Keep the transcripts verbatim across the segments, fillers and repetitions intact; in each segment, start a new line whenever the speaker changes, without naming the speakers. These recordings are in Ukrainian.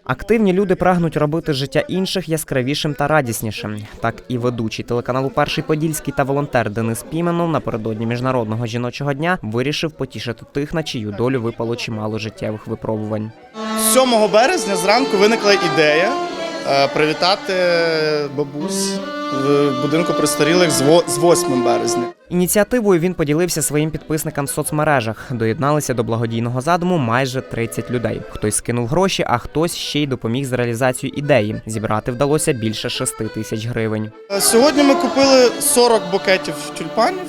Активні люди прагнуть робити життя інших яскравішим та радіснішим. Так і ведучий телеканалу «Перший Подільський» та волонтер Денис Піменов напередодні Міжнародного жіночого дня вирішив потішити тих, на чию долю випало чимало життєвих випробувань.
сьомого березня зранку виникла ідея привітати бабусь в будинку престарілих з восьмим березня.
Ініціативою він поділився своїм підписникам в соцмережах. Доєдналися до благодійного задуму майже тридцять людей. Хтось скинув гроші, а хтось ще й допоміг з реалізацією ідеї. Зібрати вдалося більше шести тисяч гривень.
Сьогодні ми купили сорок букетів тюльпанів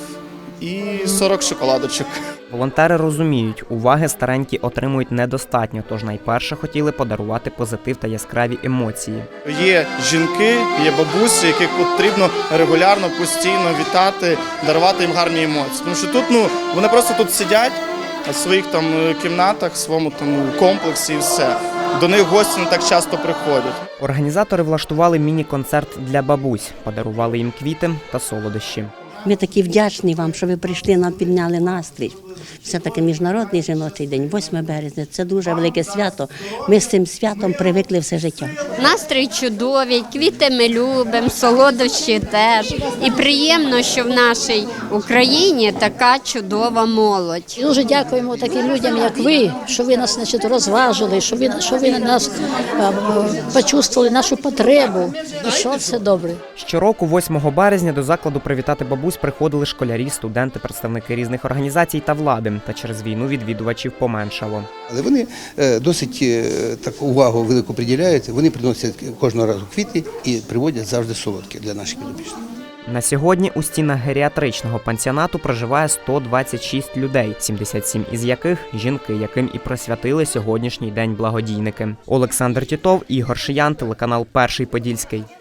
і сорок шоколадочок.
Волонтери розуміють, уваги старенькі отримують недостатньо, тож найперше хотіли подарувати позитив та яскраві емоції.
Є жінки, є бабусі, яких потрібно регулярно, постійно вітати, дарувати їм гарні емоції. Тому що тут, ну, вони просто тут сидять в своїх там кімнатах, в своєму там комплексі і все. До них гості не так часто приходять.
Організатори влаштували міні-концерт для бабусь, подарували їм квіти та солодощі.
Ми такі вдячні вам, що ви прийшли, нам підняли настрій. Все-таки Міжнародний жіночий день, восьме березня, це дуже велике свято. Ми з цим святом привикли все життя.
Настрій чудовий, квіти ми любимо, солодощі теж. І приємно, що в нашій Україні така чудова молодь.
Дуже дякуємо таким людям, як ви, що ви нас, значить, розважили, що ви, що ви нас а, почувствували нашу потребу. І що все добре.
Щороку, восьмого березня, до закладу привітати бабусь приходили школярі, студенти, представники різних організацій та влади. Та через війну відвідувачів поменшало.
Але вони досить таку увагу велику приділяють. Вони приносять кожного разу квіти і приводять завжди солодкі для наших підопічних.
На сьогодні у стінах геріатричного пансіонату проживає сто двадцять шість людей, сімдесят сім із яких – жінки, яким і присвятили сьогоднішній день благодійники. Олександр Тітов, Ігор Шиян, телеканал «Перший Подільський».